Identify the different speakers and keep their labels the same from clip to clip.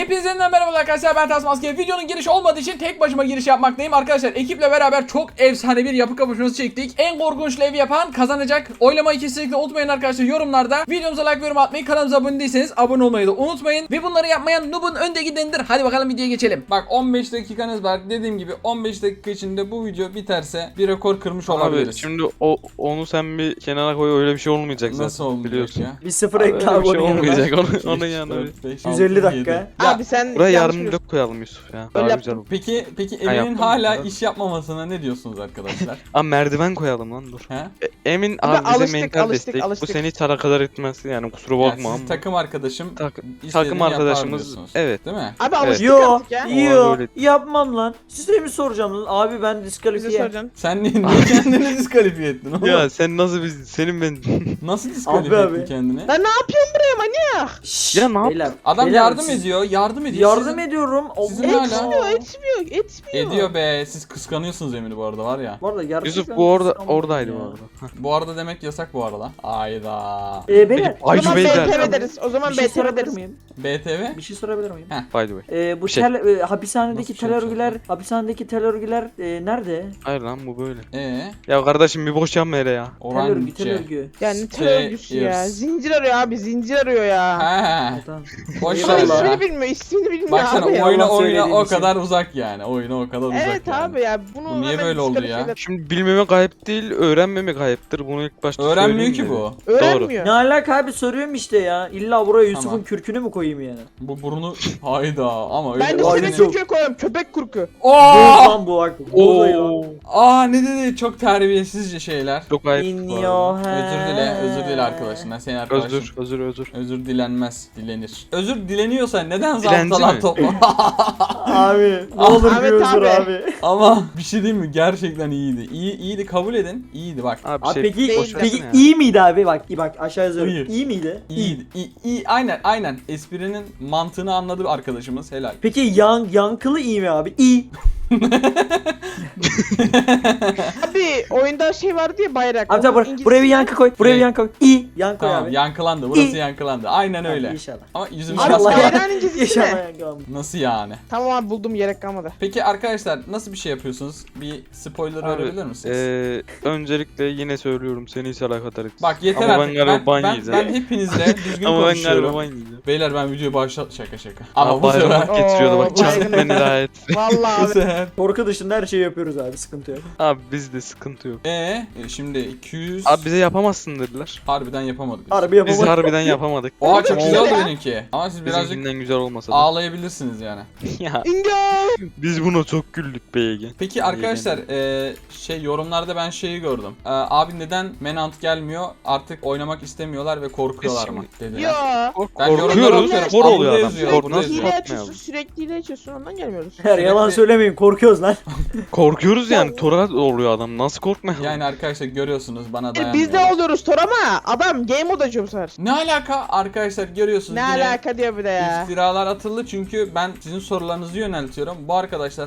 Speaker 1: Hepinize yeniden merhaba arkadaşlar, ben Tasmaske. Videonun girişi olmadığı için tek başıma giriş yapmaktayım. Arkadaşlar ekiple beraber çok efsane bir yapı kapışması çektik. En korkunç evi yapan kazanacak. Oylamayı kesinlikle unutmayın arkadaşlar yorumlarda. Videomuza like ve yorum atmayı, kanalımıza abone değilseniz abone olmayı da unutmayın. Ve bunları yapmayan noob'un önde gidenidir. Hadi bakalım videoya geçelim. Bak 15 dakikanız var. Dediğim gibi 15 dakika içinde bu video biterse bir rekor kırmış olabiliriz.
Speaker 2: Abi şimdi onu sen bir kenara koy, öyle bir şey olmayacak zaten.
Speaker 1: Nasıl olmayacak
Speaker 2: biliyorsun
Speaker 1: ya?
Speaker 3: Bir sıfır
Speaker 2: Abi,
Speaker 3: ekle
Speaker 2: öyle
Speaker 3: abi
Speaker 2: bir şey
Speaker 3: onun yanına.
Speaker 2: olmayacak onun yanına.
Speaker 3: 150 dakika.
Speaker 4: Abi sen
Speaker 2: Buraya
Speaker 4: yanlış
Speaker 2: yarım blok koyalım Yusuf ya.
Speaker 4: Öyle
Speaker 2: Daha güzel olur.
Speaker 1: Peki
Speaker 2: Ha,
Speaker 1: Emin'in
Speaker 2: yaptım.
Speaker 1: hala
Speaker 2: Evet.
Speaker 1: iş yapmamasına ne diyorsunuz arkadaşlar?
Speaker 2: Aa, merdiven koyalım lan, dur.
Speaker 1: He?
Speaker 2: Emin
Speaker 4: Abi,
Speaker 2: abi bize
Speaker 4: alıştık,
Speaker 2: mental
Speaker 4: alıştık,
Speaker 2: destek.
Speaker 4: alıştık.
Speaker 2: Bu seni hiç alakadar etmez yani, kusura
Speaker 1: Yani
Speaker 2: bakma
Speaker 1: siz
Speaker 2: ama.
Speaker 1: takım arkadaşım
Speaker 2: Takım
Speaker 1: istediğini
Speaker 2: arkadaşımız,
Speaker 1: yapar diyorsunuz.
Speaker 2: evet.
Speaker 1: Değil mi?
Speaker 4: Abi alıştık
Speaker 3: Yo,
Speaker 4: artık ya.
Speaker 3: yo,
Speaker 2: öyle.
Speaker 3: yapmam lan. Size mi soracağım lan? Abi ben
Speaker 4: Bize
Speaker 3: diskalifiye.
Speaker 4: soracaksın.
Speaker 1: Sen niye kendini diskalifiye ettin oğlum?
Speaker 2: Ya sen nasıl senin ben
Speaker 1: Nasıl diskalifiye
Speaker 3: Abi,
Speaker 1: ettin
Speaker 3: abi.
Speaker 1: kendini?
Speaker 4: Ben ne yapıyorum buraya manyak?
Speaker 3: Şşş,
Speaker 2: Ya ne yap-
Speaker 3: beyler,
Speaker 1: Adam
Speaker 3: beyler,
Speaker 1: yardım
Speaker 3: siz-
Speaker 1: ediyor, yardım ediyor.
Speaker 3: Yardım
Speaker 1: Sizin-
Speaker 3: ediyorum.
Speaker 1: sizin
Speaker 3: Allah.
Speaker 1: hala-
Speaker 4: Etmiyor.
Speaker 1: Ediyor be. Siz kıskanıyorsunuz Emin'i bu arada var ya.
Speaker 3: Bu arada gerçekten
Speaker 2: Yusuf bu
Speaker 3: kıskandım
Speaker 2: oradaydı
Speaker 3: ya.
Speaker 2: bu arada.
Speaker 1: Bu arada demek yasak bu arada. Ayda.
Speaker 3: Beyler,
Speaker 4: O zaman
Speaker 2: Beyler.
Speaker 4: BTV deriz. O zaman
Speaker 3: bir şey
Speaker 4: BTV
Speaker 3: sorabilir
Speaker 4: deriz.
Speaker 3: miyim?
Speaker 1: BTV?
Speaker 3: Bir şey sorabilir miyim?
Speaker 2: By the way.
Speaker 3: Bu
Speaker 2: Bir şey.
Speaker 3: hapishanedeki
Speaker 1: Nasıl bir şey
Speaker 3: hapishanedeki tel örgüler nerede?
Speaker 2: Hayır lan, bu böyle.
Speaker 1: Ee,
Speaker 2: Ya kardeşim bir boş yapma hele ya.
Speaker 3: Tel örgü, tel
Speaker 1: Orange.
Speaker 3: örgü.
Speaker 4: Yani tel örgüsü ya.
Speaker 1: Stairs.
Speaker 4: Zincir arıyor abi, zincir arıyor ya.
Speaker 1: He.
Speaker 3: Tamam.
Speaker 1: Boş
Speaker 4: Ama
Speaker 1: ver
Speaker 3: Eyvallah.
Speaker 1: ya.
Speaker 4: ismini bilmiyor, ismini bilmiyor
Speaker 1: Baksana
Speaker 4: abi ya.
Speaker 1: oyuna
Speaker 3: Allah söylediğim
Speaker 1: o
Speaker 3: için.
Speaker 1: kadar uzak yani. Oyuna o kadar uzak
Speaker 4: Evet
Speaker 1: yani.
Speaker 4: abi ya. Bunu
Speaker 1: Bu niye
Speaker 4: hemen
Speaker 1: böyle oldu ya?
Speaker 4: diskalifiye
Speaker 2: Şimdi bilmemek ayıp değil, öğrenmemek ayıptır. Bunu ilk başta
Speaker 1: Öğrenmiyor
Speaker 2: söyleyeyim
Speaker 1: ki
Speaker 2: de.
Speaker 1: bu.
Speaker 4: Öğrenmiyor.
Speaker 3: Ne alaka abi, soruyorum işte ya. İlla buraya Yusuf'un
Speaker 1: Tamam.
Speaker 3: kürkünü mü koyayım yani?
Speaker 1: Bu burnu hayda ama öyle.
Speaker 4: Ben de
Speaker 3: Vay
Speaker 4: senin
Speaker 3: Yusuf.
Speaker 4: Türkiye koyuyorum. Köpek kurku.
Speaker 3: Dur
Speaker 1: Oo!
Speaker 3: lan bu bak.
Speaker 2: Oo.
Speaker 1: Ne dedi? Çok terbiyesizce şeyler.
Speaker 2: Çok ayıp.
Speaker 3: In
Speaker 2: bu arada.
Speaker 3: your
Speaker 1: Özür dile arkadaşından. Senin arkadaşın.
Speaker 2: Özür.
Speaker 1: Özür dilenmez, dilenir. Özür dileniyorsa neden
Speaker 2: Dilenci
Speaker 1: zaptalar
Speaker 2: mi?
Speaker 1: topla?
Speaker 3: Abi ne olur
Speaker 4: Ahmet
Speaker 3: bir özür
Speaker 4: abi.
Speaker 3: abi.
Speaker 1: Ama bir şey diyeyim mi? Gerçekten iyiydi. İyiydi, kabul edin. İyiydi bak.
Speaker 2: Abi,
Speaker 3: Abi
Speaker 2: şey,
Speaker 3: peki,
Speaker 2: boş
Speaker 3: peki
Speaker 2: versene ya.
Speaker 3: iyi miydi abi? Bak aşağı yazıyorum.
Speaker 1: İyi.
Speaker 3: İyi miydi?
Speaker 1: İyiydi. İyi. Aynen. Esprinin mantığını anladı arkadaşımız. Helal.
Speaker 3: Peki yankılı iyi mi abi? İyi.
Speaker 4: Abi oyunda şey vardı ya, bayrak.
Speaker 3: Abi
Speaker 4: Onun
Speaker 3: tamam, buraya bir yankı koy. Buraya bir
Speaker 1: Ne?
Speaker 3: yankı koy. İyi. Yankı koy
Speaker 1: Tamam,
Speaker 3: abi.
Speaker 1: yankılandı. Burası
Speaker 3: İyi.
Speaker 1: yankılandı. Aynen öyle.
Speaker 3: İnşallah.
Speaker 1: Ama yüzümüz
Speaker 4: Abi
Speaker 3: Allah
Speaker 1: maske.
Speaker 3: ya.
Speaker 4: bayrağın incisi
Speaker 3: İnşallah
Speaker 4: ne?
Speaker 3: yankı almış.
Speaker 1: Nasıl yani?
Speaker 4: Tamam abi, buldum, gerek kalmadı.
Speaker 1: Peki arkadaşlar nasıl bir şey yapıyorsunuz? Bir spoiler
Speaker 2: Abi,
Speaker 1: verebilir misiniz?
Speaker 2: öncelikle yine söylüyorum, seni hiç alakadar etmez.
Speaker 1: Bak yeter
Speaker 2: Ama ben
Speaker 1: artık.
Speaker 2: galiba ban
Speaker 1: Ben
Speaker 2: yiyeceğim.
Speaker 1: hepinizle düzgün
Speaker 2: Ama ben
Speaker 1: konuşuyorum.
Speaker 2: galiba ban yiyeceğim.
Speaker 1: Beyler ben videoyu başlat şaka.
Speaker 2: Ama
Speaker 1: Ama bu sefer
Speaker 2: bayramak getiriyordu bak,
Speaker 4: Oo,
Speaker 2: çarpık
Speaker 4: baygın.
Speaker 2: beni daha et.
Speaker 4: Vallahi
Speaker 1: bu
Speaker 4: abi.
Speaker 1: sefer.
Speaker 3: Korku dışında her şeyi yapıyoruz abi, sıkıntı yok.
Speaker 2: Abi bizde sıkıntı yok.
Speaker 1: Şimdi 200
Speaker 2: Abi bize yapamazsın dediler.
Speaker 1: harbiden yapamadık.
Speaker 3: Harbi
Speaker 2: Biz
Speaker 3: yapamadık.
Speaker 2: harbiden yapamadık.
Speaker 1: Oha çok güzel oldu
Speaker 4: Ya.
Speaker 1: benimki. Ama siz birazcık
Speaker 2: Bizimkinden güzel olmasa da.
Speaker 1: ağlayabilirsiniz yani.
Speaker 2: Ya
Speaker 4: İngo.
Speaker 2: biz buna çok güldük be Ege.
Speaker 1: Peki arkadaşlar yorumlarda ben şeyi gördüm. Abi neden Menant gelmiyor? Artık oynamak istemiyorlar ve korkuyorlar mı dediler.
Speaker 4: Yo.
Speaker 1: Ben yorumlara
Speaker 2: Korkuyoruz.
Speaker 1: bakıyorum.
Speaker 2: Kor oluyor
Speaker 1: Altta
Speaker 2: adam.
Speaker 1: yazıyor,
Speaker 2: Korku
Speaker 1: altta
Speaker 2: nasıl
Speaker 1: yazıyor.
Speaker 4: Hile
Speaker 2: korkmayalım?
Speaker 4: açıyorsun, sürekli hile açıyorsun, ondan gelmiyoruz.
Speaker 3: Her yalan söylemeyin, korkuyoruz lan.
Speaker 2: Korkuyoruz yani. Tora oluyor adam. Nasıl korkmayalım?
Speaker 1: Yani arkadaşlar görüyorsunuz bana dayanmıyor.
Speaker 4: Biz de oluyoruz Tor ama adam game mode açıyor bu sefer.
Speaker 1: Ne alaka arkadaşlar görüyorsunuz
Speaker 4: Ne
Speaker 1: yine
Speaker 4: alaka diyor bir de ya.
Speaker 1: iftiralar atıldı çünkü ben sizin sorularınızı yöneltiyorum. Bu arkadaşlar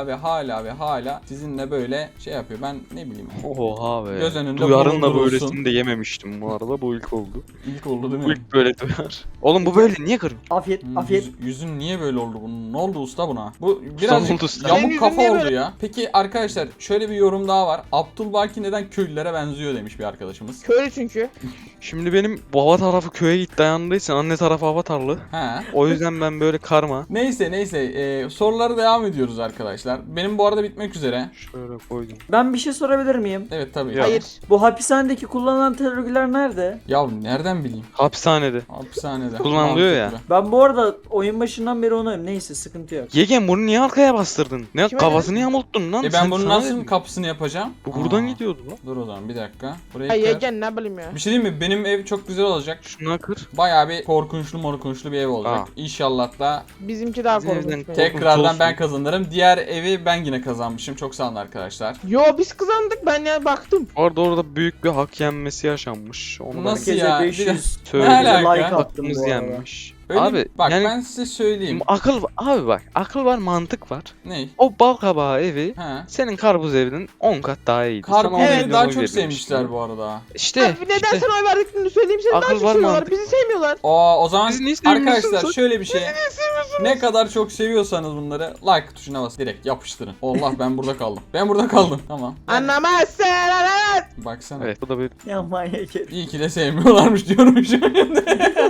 Speaker 1: hala sizinle böyle şey yapıyor. Ben ne bileyim.
Speaker 2: Oha be.
Speaker 1: Göz önünde
Speaker 2: Duyarın da
Speaker 1: bulundurulsun.
Speaker 2: böylesini de yememiştim bu arada. Bu ilk oldu.
Speaker 1: İlk oldu değil
Speaker 2: Bu
Speaker 1: mi?
Speaker 2: ilk böyle duyar. Oğlum bu böyle niye kırıyorsun?
Speaker 3: Afiyet, afiyet.
Speaker 1: Yüzün niye böyle oldu bunun? Ne oldu usta buna? Bu
Speaker 2: oldu
Speaker 1: birazcık
Speaker 2: usta.
Speaker 4: Senin
Speaker 1: yamuk
Speaker 4: yüzün
Speaker 1: kafa
Speaker 4: niye
Speaker 1: oldu
Speaker 4: böyle?
Speaker 1: ya. Peki arkadaşlar şöyle bir yorum daha var. Abdülbaki neden köylülere benziyor demiş bir arkadaşımız.
Speaker 4: Köylü çünkü.
Speaker 2: Şimdi benim baba tarafı köye git dayandığı için anne tarafı avatarlı.
Speaker 1: He.
Speaker 2: O yüzden ben böyle karma.
Speaker 1: Neyse sorulara devam ediyoruz arkadaşlar. Benim bu arada bitmek üzere.
Speaker 2: Şöyle koydum.
Speaker 3: Ben bir şey sorabilir miyim?
Speaker 1: Evet tabii.
Speaker 2: Ya.
Speaker 4: Hayır.
Speaker 3: Bu hapishanedeki kullanılan tel örgüler nerede?
Speaker 1: Ya nereden bileyim?
Speaker 2: Hapishanede.
Speaker 1: Hapishanede.
Speaker 2: Kullanılıyor ya.
Speaker 1: Mantıklı.
Speaker 3: Ben bu arada oyun başından beri onu neyse, sıkıntı yok.
Speaker 2: Yegen bunu niye arkaya bastırdın? Ne
Speaker 4: Kime
Speaker 2: kafasını yamulttun lan?
Speaker 1: Ben
Speaker 2: Sen
Speaker 1: bunun
Speaker 2: sana
Speaker 1: nasıl
Speaker 2: dedim.
Speaker 1: kapısını yapacağım?
Speaker 2: Bu buradan
Speaker 1: Aa,
Speaker 2: gidiyordu lan.
Speaker 1: Dur o zaman bir dakika. Buraya
Speaker 4: Ay
Speaker 1: kır.
Speaker 4: yegen ne bileyim ya.
Speaker 1: Bir şey diyeyim mi? Benim ev çok güzel olacak.
Speaker 2: Şuna kır.
Speaker 1: Bayağı bir korkunçlu bir ev olacak.
Speaker 2: Aa.
Speaker 1: İnşallah da
Speaker 4: Bizimki daha
Speaker 2: Bizim
Speaker 4: korkunç.
Speaker 2: evden
Speaker 4: benim.
Speaker 1: tekrardan
Speaker 2: olsun.
Speaker 1: ben kazanırım. Diğer evi ben yine kazanmışım. Çok sağ olun arkadaşlar.
Speaker 4: Yo biz kazandık, ben ya baktım.
Speaker 2: Orada büyük bir hak yenmesi yaşanmış. Onu
Speaker 1: Nasıl
Speaker 2: ben
Speaker 1: ya?
Speaker 3: Herkese 500
Speaker 2: söyleyeyim.
Speaker 1: Ne alaka?
Speaker 3: like attım
Speaker 2: Hakkımız
Speaker 3: bu arada.
Speaker 2: yenmiş.
Speaker 1: Öyle
Speaker 2: Abi,
Speaker 1: bak
Speaker 2: yani-
Speaker 1: ben size söyleyeyim.
Speaker 2: Akıl abi bak akıl var mantık var.
Speaker 1: Ne?
Speaker 2: O bal kabağı evi
Speaker 1: He.
Speaker 2: senin karpuz evinin 10 kat daha iyiydi. Sana
Speaker 1: Karpuz
Speaker 2: on
Speaker 1: evi
Speaker 2: milyon
Speaker 1: daha
Speaker 2: oy
Speaker 1: çok
Speaker 2: verilmişti.
Speaker 1: sevmişler bu arada.
Speaker 2: İşte
Speaker 4: Abi neden
Speaker 2: işte.
Speaker 4: sana oy verdiklerini söyleyeyim, seni daha
Speaker 2: Akıl
Speaker 4: çok
Speaker 2: var,
Speaker 4: seviyorlar.
Speaker 2: mantık.
Speaker 4: Bizi sevmiyorlar.
Speaker 1: O zaman
Speaker 2: Bizi niye sevmiyorsunuz?
Speaker 1: arkadaşlar şöyle bir şey. Ne kadar çok seviyorsanız bunları like tuşuna bas direkt yapıştırın. Allah ben burada kaldım. Ben burada kaldım. Tamam.
Speaker 4: Anlamazsın. Evet.
Speaker 1: Baksana.
Speaker 2: Evet bu da böyle.
Speaker 3: Ya manyak herif.
Speaker 1: İyi ki de sevmiyorlarmış diyorum şimdi.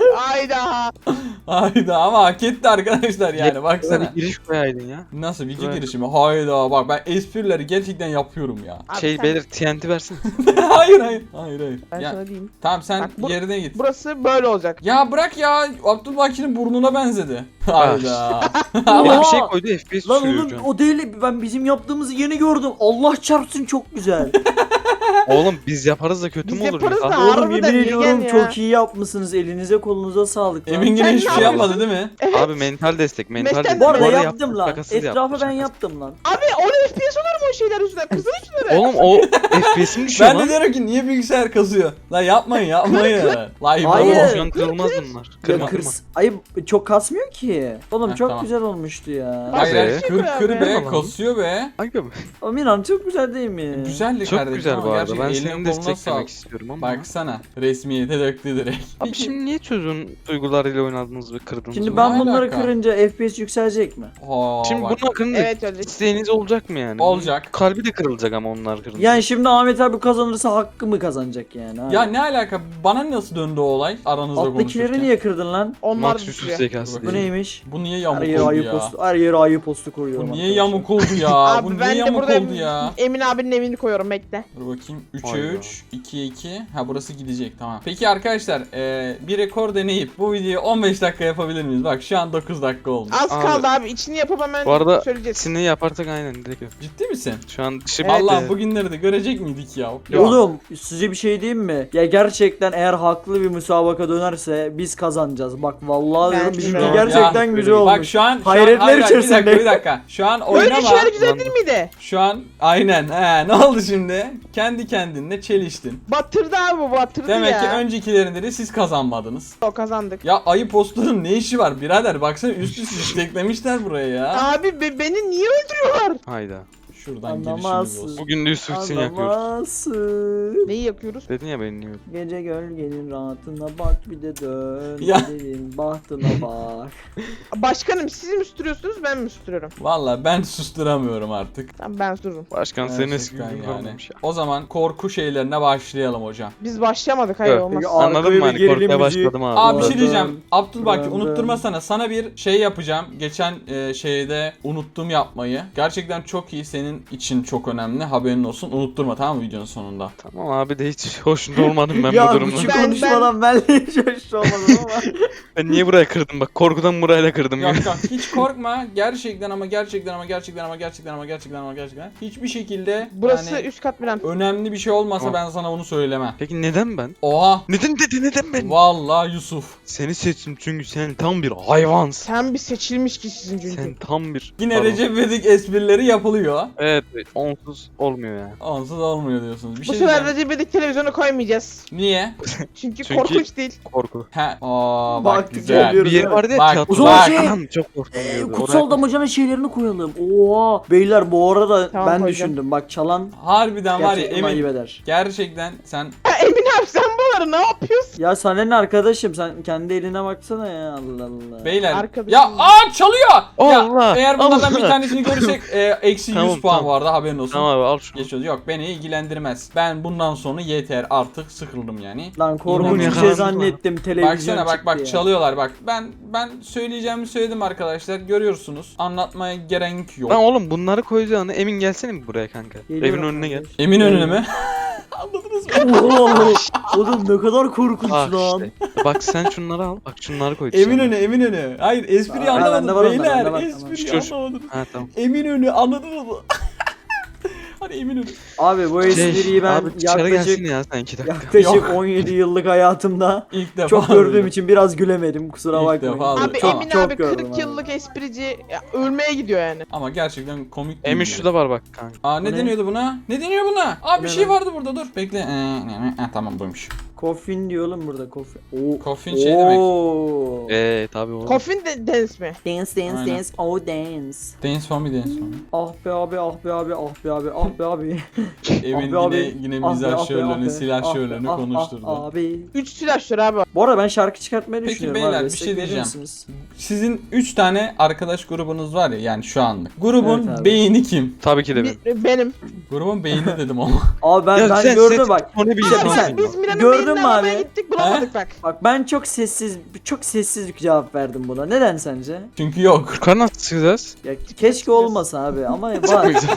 Speaker 4: Hayda.
Speaker 1: Hayda ama hak etti arkadaşlar yani
Speaker 2: Sana
Speaker 1: baksana.
Speaker 2: bir giriş koyaydın ya.
Speaker 1: Nasıl video
Speaker 2: Evet.
Speaker 1: girişimi? Hayda bak ben esprileri gerçekten yapıyorum ya.
Speaker 4: Abi
Speaker 2: Şey
Speaker 4: sen-
Speaker 2: beyler TNT versin.
Speaker 1: hayır hayır. Hayır hayır.
Speaker 4: Ben
Speaker 1: Ya,
Speaker 4: sana diyeyim.
Speaker 1: tamam sen
Speaker 4: Bak, bu-
Speaker 1: yerine git.
Speaker 4: Burası böyle olacak.
Speaker 1: Ya bırak ya Abdülbaki'nin burnuna benzedi. Hayda.
Speaker 2: Ya bir şey
Speaker 3: Oha!
Speaker 2: koydu FPS
Speaker 3: Lan
Speaker 2: düşürüyor
Speaker 3: oğlum
Speaker 2: şu an.
Speaker 3: o değil, ben bizim yaptığımızı yeni gördüm. Allah çarpsın çok güzel.
Speaker 2: Oğlum biz yaparız da kötü
Speaker 4: Biz
Speaker 2: mü olur?
Speaker 4: yaparız
Speaker 2: Ah,
Speaker 4: da.
Speaker 3: Oğlum
Speaker 4: Harbiden
Speaker 3: yemin
Speaker 4: iyi
Speaker 3: ediyorum
Speaker 4: gel ya.
Speaker 3: çok iyi yapmışsınız. Elinize kolunuza sağlık lan.
Speaker 1: Emin yine
Speaker 4: Sen
Speaker 1: hiçbir
Speaker 4: ne
Speaker 1: şey
Speaker 4: yapıyorsun?
Speaker 1: yapmadı değil mi?
Speaker 2: Abi mental destek mental
Speaker 4: Meşten-
Speaker 2: destek.
Speaker 3: Bu arada
Speaker 2: arada
Speaker 3: yaptım lan.
Speaker 2: şakasız yaptım,
Speaker 3: Etrafı ben
Speaker 2: şakasız.
Speaker 3: yaptım lan.
Speaker 4: Abi 10 FPS olur mu o şeyler yüzünden? Kızın üstüne.
Speaker 2: Oğlum o FPS'im düşüyor
Speaker 1: Ben de
Speaker 2: lan.
Speaker 1: diyorum ki niye bilgisayar kazıyor? Lan yapmayın yapmayın. Lan
Speaker 3: Hayır.
Speaker 2: Oğlum şu an kırılmaz bunlar.
Speaker 3: Ya
Speaker 2: Kırma kırma.
Speaker 3: kırs. Ay çok kasmıyor ki. Oğlum
Speaker 1: Heh,
Speaker 3: çok
Speaker 1: tamam.
Speaker 3: güzel olmuştu ya.
Speaker 1: Hayır
Speaker 2: Be.
Speaker 1: hayır kır kır
Speaker 4: Abi.
Speaker 1: be
Speaker 2: Tamam.
Speaker 1: kasıyor be.
Speaker 2: Ay be.
Speaker 3: Oğlum inan çok güzel değil mi?
Speaker 1: Güzeldi
Speaker 2: Çok
Speaker 1: kardeşim
Speaker 2: güzel
Speaker 1: ama
Speaker 2: bu arada.
Speaker 1: gerçekten
Speaker 2: Ben
Speaker 1: eline
Speaker 2: seni
Speaker 1: koluna
Speaker 2: desteklemek
Speaker 1: sağlık.
Speaker 2: istiyorum ama.
Speaker 1: Baksana resmiyete döktü direkt.
Speaker 2: Abi şimdi niye çocuğun duygularıyla oynadınız ve kırdınız?
Speaker 3: Şimdi
Speaker 2: bunu?
Speaker 3: ben
Speaker 1: Ne
Speaker 3: bunları
Speaker 1: alaka?
Speaker 3: kırınca FPS yükselecek mi?
Speaker 1: Aa,
Speaker 2: Şimdi
Speaker 1: bak.
Speaker 2: bunun hakkında
Speaker 4: Evet öyle.
Speaker 2: isteğiniz olacak mı yani?
Speaker 1: Olacak.
Speaker 2: Kalbi de kırılacak ama onlar kırılacak.
Speaker 3: Yani şimdi Ahmet abi kazanırsa hakkı mı kazanacak yani? Abi?
Speaker 1: Ya ne alaka? Bana nasıl döndü o olay aranızda
Speaker 3: Alttakileri
Speaker 1: konuşurken?
Speaker 3: niye kırdın lan?
Speaker 4: Onlar
Speaker 2: Maksusuz
Speaker 4: düşüyor.
Speaker 2: zekası
Speaker 1: Bu
Speaker 3: Bu
Speaker 2: değil.
Speaker 3: neymiş?
Speaker 1: Bu niye
Speaker 3: Her
Speaker 1: yamuk
Speaker 3: yere
Speaker 1: oldu
Speaker 3: ayı
Speaker 1: ya?
Speaker 3: postu, her yere ayı postu koyuyorum.
Speaker 1: Bu niye
Speaker 3: arkadaşlar.
Speaker 1: yamuk oldu ya? Bu
Speaker 4: Abi
Speaker 1: niye
Speaker 4: ben de
Speaker 1: yamuk
Speaker 4: burada
Speaker 1: oldu ya?
Speaker 4: Emin abinin evini koyuyorum bekle.
Speaker 1: Dur bakayım. 3'e
Speaker 2: Hayda.
Speaker 1: 3, 2'ye 2. Ha burası gidecek tamam. Peki arkadaşlar bir rekor deneyip bu videoyu 15 dakika yapabilir miyiz? Bak şu an 9 dakika oldu.
Speaker 4: Az
Speaker 2: Abi.
Speaker 4: kaldı abi. İçini yapıp hemen
Speaker 2: Bu arada
Speaker 4: söyleyeceğiz.
Speaker 2: ikisini yaparsak aynen direkt yap.
Speaker 1: Ciddi misin?
Speaker 2: Şu an dışı
Speaker 4: Evet.
Speaker 1: Allah
Speaker 2: bitti.
Speaker 1: bugünleri de görecek miydik ya?
Speaker 3: Oğlum size bir şey diyeyim mi? Ya gerçekten eğer haklı bir müsabaka dönerse biz kazanacağız. Bak vallahi diyorum
Speaker 4: Bence
Speaker 3: bizimki
Speaker 4: de.
Speaker 3: gerçekten
Speaker 1: Ya,
Speaker 3: güzel olmuş.
Speaker 1: Bak şu an
Speaker 3: Hayretler
Speaker 1: hayır,
Speaker 3: içerisinde.
Speaker 1: Bir dakika. Şu an
Speaker 4: Böyle
Speaker 1: oynama.
Speaker 4: şeyler güzel
Speaker 2: Lan
Speaker 4: değil miydi?
Speaker 1: Şu an aynen. He ne oldu şimdi? Kendi kendinle çeliştin.
Speaker 4: Batırdı abi bu batırdı
Speaker 1: Demek
Speaker 4: ya.
Speaker 1: ki öncekilerinde de siz kazanmadınız.
Speaker 4: O kazandık.
Speaker 1: Ya ayı postunun ne işi var birader? Baksana üst üste isteklemişler buraya ya.
Speaker 4: Abi beni niye öldürüyorlar?
Speaker 2: Hayda.
Speaker 1: Şuradan girişimiz
Speaker 3: Anlamazsın.
Speaker 1: olsun.
Speaker 2: Bugün de Yusuf için yakıyoruz.
Speaker 3: Anlamazsın.
Speaker 4: Neyi yakıyoruz?
Speaker 2: Dedin ya beni niye
Speaker 3: Gece gölgenin rahatına bak bir de dön.
Speaker 1: Ya.
Speaker 3: Gidelim bahtına bak.
Speaker 4: Başkanım siz mi üstürüyorsunuz ben mi üstürüyorum?
Speaker 1: Valla ben susturamıyorum artık.
Speaker 4: Tamam ben üstürürüm.
Speaker 2: Başkan senin eski
Speaker 1: Gerçekten
Speaker 2: gün
Speaker 1: yani.
Speaker 2: kalmamış ya.
Speaker 1: O zaman korku şeylerine başlayalım hocam.
Speaker 4: Biz başlayamadık hayır
Speaker 2: Evet.
Speaker 4: olmaz.
Speaker 3: Peki,
Speaker 2: Anladın
Speaker 3: arkaya
Speaker 2: mı
Speaker 3: bir
Speaker 2: hani
Speaker 3: gerilim
Speaker 2: korkuya
Speaker 3: müziği.
Speaker 2: başladım abi.
Speaker 1: Abi bir şey
Speaker 3: Dön,
Speaker 1: diyeceğim. Abdülbaki
Speaker 3: dön,
Speaker 1: unutturmasana. Sana bir şey yapacağım. Geçen şeyde unuttum yapmayı. Gerçekten çok iyi. Senin için çok önemli. Haberin olsun. Unutturma tamam mı videonun sonunda?
Speaker 2: Tamam abi de hiç hoşnut olmadım ben bu
Speaker 3: Ya
Speaker 2: durumda.
Speaker 3: şu
Speaker 4: Ben-
Speaker 3: konuşmadan ben de hiç hoş olmadım ama.
Speaker 2: Ben niye buraya kırdım bak korkudan burayla kırdım ya.
Speaker 1: Yok yok hiç korkma. Gerçekten ama gerçekten hiçbir şekilde
Speaker 4: Burası
Speaker 1: yani
Speaker 4: üst kat bilen.
Speaker 1: önemli bir şey olmasa
Speaker 2: Tamam.
Speaker 1: ben sana bunu söylemem.
Speaker 2: Peki neden ben?
Speaker 1: Oha.
Speaker 2: Neden ben?
Speaker 1: Vallahi Yusuf.
Speaker 2: Seni seçtim çünkü sen tam bir hayvansın.
Speaker 4: Sen bir seçilmiş kişisin çünkü.
Speaker 2: Sen tam bir...
Speaker 1: Yine
Speaker 2: Pardon.
Speaker 1: Recep İvedik esprileri yapılıyor.
Speaker 2: Evet, evet onsuz olmuyor yani.
Speaker 1: Onsuz olmuyor diyorsunuz. Bir
Speaker 4: Bu
Speaker 1: şey
Speaker 4: sefer
Speaker 1: diyeceğim.
Speaker 4: Recep İvedik televizyonu koymayacağız.
Speaker 1: Niye?
Speaker 4: Çünkü
Speaker 2: Çünkü-
Speaker 4: korkunç değil.
Speaker 2: Korku.
Speaker 1: He. Aa bak
Speaker 3: Bak,
Speaker 1: güzel.
Speaker 3: geliyoruz.
Speaker 2: Bir yer vardı ya
Speaker 1: Bak,
Speaker 2: tiyatro.
Speaker 3: o zaman
Speaker 1: bak.
Speaker 3: şey-
Speaker 2: Anam çok korktum.
Speaker 3: Kutsal damacanın şeylerini koyalım. Oha. Beyler bu arada
Speaker 4: Tamam,
Speaker 3: ben
Speaker 4: koyacağım.
Speaker 3: düşündüm. Bak çalan
Speaker 1: Harbiden var ya
Speaker 3: gerçekten ayıp
Speaker 1: Emin.
Speaker 3: eder.
Speaker 1: Gerçekten sen
Speaker 4: Ya Emin abi sen bunları ne yapıyorsun?
Speaker 3: Ya sana ne arkadaşım, sen kendi eline baksana ya, Allah Allah.
Speaker 1: beyler.
Speaker 4: Arkadaşım.
Speaker 1: Ya çalıyor.
Speaker 2: Allah,
Speaker 1: Ya, eğer bunlardan bir
Speaker 2: Allah.
Speaker 1: tanesini görürsek eksi 100
Speaker 2: Tamam,
Speaker 1: puan
Speaker 2: tamam.
Speaker 1: vardı haberin olsun.
Speaker 2: Tamam abi al şunu.
Speaker 1: Geçiyoruz. Yok beni ilgilendirmez. Ben bundan sonra yeter artık sıkıldım yani.
Speaker 3: Lan korkunç
Speaker 1: İnanın
Speaker 3: bir şey
Speaker 2: yakalandık
Speaker 3: zannettim, televizyon
Speaker 1: Baksana
Speaker 3: çıktı
Speaker 1: bak
Speaker 3: ya.
Speaker 1: çalıyorlar bak. Ben söyleyeceğimi söyledim arkadaşlar. Görüyorsunuz. Anlatmaya gerek yok.
Speaker 2: Lan oğlum bunları koyacağını Emin gelsene mi buraya kanka?
Speaker 3: Geliyorum
Speaker 2: Evin önüne gel.
Speaker 3: kardeş.
Speaker 1: Emin önüne mi? Anladınız mı?
Speaker 3: Oho, oğlum ne kadar korkunç
Speaker 2: Bak
Speaker 3: lan.
Speaker 2: işte. Bak sen şunları al. Bak şunları koy.
Speaker 1: Eminönü. Hayır espriyi
Speaker 3: Aa, bende
Speaker 1: anlamadınız
Speaker 3: var onlar, bende
Speaker 1: beyler.
Speaker 3: var,
Speaker 1: Espriyi
Speaker 2: tamam.
Speaker 1: anlamadınız.
Speaker 2: Ha tamam.
Speaker 1: Eminönü anladınız mı? Hadi Eminönü.
Speaker 3: Abi bu espriyi ben
Speaker 2: abi dışarı gelsin
Speaker 3: yaklaşık
Speaker 2: ya sen 2 dakika.
Speaker 1: Yok.
Speaker 3: 17 yıllık hayatımda
Speaker 1: İlk defa.
Speaker 3: çok gördüğüm
Speaker 1: duydum.
Speaker 3: için biraz gülemedim, kusura
Speaker 1: İlk
Speaker 3: bakmayın.
Speaker 1: defa duydum.
Speaker 4: Abi
Speaker 1: Tamam.
Speaker 4: Emin
Speaker 3: Çok
Speaker 4: abi
Speaker 3: gördüm
Speaker 4: 40
Speaker 3: abi.
Speaker 4: yıllık esprici ya, ölmeye gidiyor yani.
Speaker 1: Ama gerçekten komik değil.
Speaker 2: Emin
Speaker 1: yani.
Speaker 2: şurada var bak kanka.
Speaker 1: Aa ne
Speaker 3: Bu ne?
Speaker 1: deniyordu buna? Ne deniyor buna? Aa bir
Speaker 3: Ne
Speaker 1: şey
Speaker 3: lan?
Speaker 1: vardı burada dur. Bekle. Tamam buymuş.
Speaker 3: Coffin diyor oğlum burada coffin. Oo.
Speaker 1: Coffin şey demek.
Speaker 3: Oo.
Speaker 2: Tabii o.
Speaker 4: Coffin dance mi?
Speaker 3: Dance dance
Speaker 1: Aynen.
Speaker 3: dance oh dance.
Speaker 1: Dance for me, dance for me.
Speaker 3: Ah be abi ah be abi ah be abi ah be abi.
Speaker 1: Evin
Speaker 3: Ah be
Speaker 1: yine
Speaker 3: abi.
Speaker 1: mizah
Speaker 3: Ah be,
Speaker 1: şöleni,
Speaker 3: ah be,
Speaker 1: silah
Speaker 3: ah be,
Speaker 1: şöleni
Speaker 3: ah,
Speaker 1: konuşturdu.
Speaker 3: ah abi.
Speaker 4: 3 silahşör abi.
Speaker 3: Bu arada ben şarkı çıkartmayı
Speaker 1: Peki
Speaker 3: düşünüyorum
Speaker 1: beyler,
Speaker 3: abi.
Speaker 1: bir
Speaker 3: Destek
Speaker 1: şey
Speaker 3: verir
Speaker 1: diyeceğim.
Speaker 3: misiniz?
Speaker 1: Sizin 3 tane arkadaş grubunuz var ya, yani şu anlık. Grubun
Speaker 3: Evet abi.
Speaker 1: beyni kim?
Speaker 2: Tabii ki de ben.
Speaker 4: Benim.
Speaker 1: Grubun beyni dedim ama.
Speaker 3: Abi ben
Speaker 2: sen
Speaker 3: gördüm bak.
Speaker 2: O ne bir
Speaker 3: Abi
Speaker 2: insan
Speaker 3: sen-
Speaker 2: değil.
Speaker 4: Biz Miran'ın
Speaker 3: Gördün
Speaker 4: beynine
Speaker 3: mü
Speaker 4: aramaya
Speaker 3: abi?
Speaker 4: gittik bulamadık bak.
Speaker 3: Bak ben çok sessiz bir cevap verdim buna. Neden sence?
Speaker 1: Çünkü yok.
Speaker 2: Yukarı nasıl çıkacağız?
Speaker 3: Ya keşke olmasa abi ama
Speaker 2: Çok
Speaker 3: var.
Speaker 2: güzel.